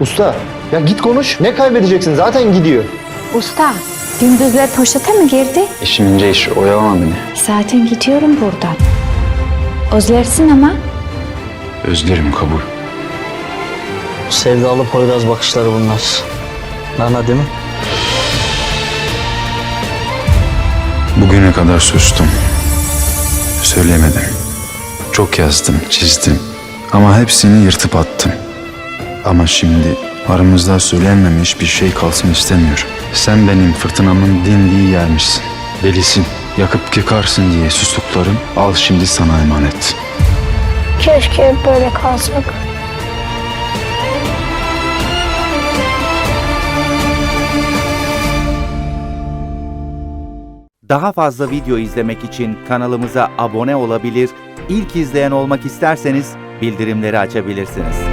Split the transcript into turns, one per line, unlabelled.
Usta ya git konuş. Ne kaybedeceksin? Zaten gidiyor.
Usta, gündüzler poşete mi girdi?
İşim ince iş, oyalama beni.
Zaten gidiyorum buradan. Özlersin ama.
Özlerim kabul.
Sevdalı Poyraz bakışları bunlar. Nana değil mi?
Bugüne kadar sustum. Söylemedim. Çok yazdım, çizdim. Ama hepsini yırtıp attım. Ama şimdi aramızda söylenmemiş bir şey kalsın istemiyorum. Sen benim fırtınamın dindiği yermişsin. Delisin, yakıp yıkarsın diye sustuklarım al şimdi sana emanet.
Keşke hep böyle kalsak.
Daha fazla video izlemek için kanalımıza abone olabilir, ilk izleyen olmak isterseniz bildirimleri açabilirsiniz.